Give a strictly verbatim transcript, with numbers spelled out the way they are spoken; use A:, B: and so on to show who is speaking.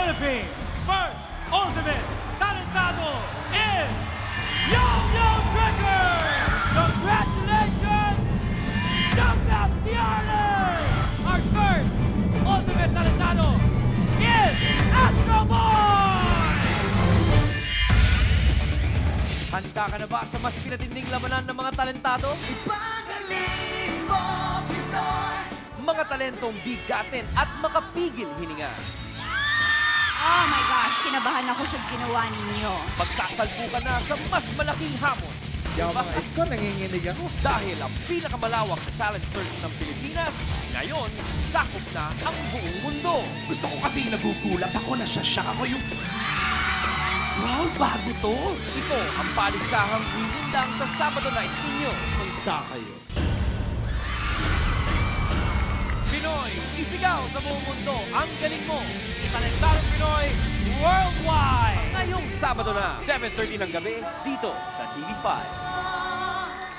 A: Philippines' first ultimate talentado is Yo-Yo Trigger! Congratulations! Jump the honors! Our first ultimate talentado is Astro Boy! Handa ka na ba sa mas pinatinding labanan ng mga talentado?
B: Ipagaling mo, Pinoy!
A: Mga talentong bigatin at makapigil hininga.
C: Oh my gosh, kinabahan ako sa ginawa ninyo.
A: Magsasalpo ka na sa mas malaking hamon.
D: Yung mga isko, nanginginig ako.
A: Dahil ang pinakamalawak na talent search ng Pilipinas, ngayon, sakop na ang buong mundo.
B: Gusto ko kasi nagugulat ako na siya ako yung... Wow, bago to!
A: Ito ang paligsahang hinindang sa Sabado Nights ninyo.
D: Punta kayo.
A: Pinoy, isigaw sa buong mundo ang galing mo. Talentadong Pinoy Worldwide! Ngayong Sabado na, seven thirty ng gabi, dito sa T V five.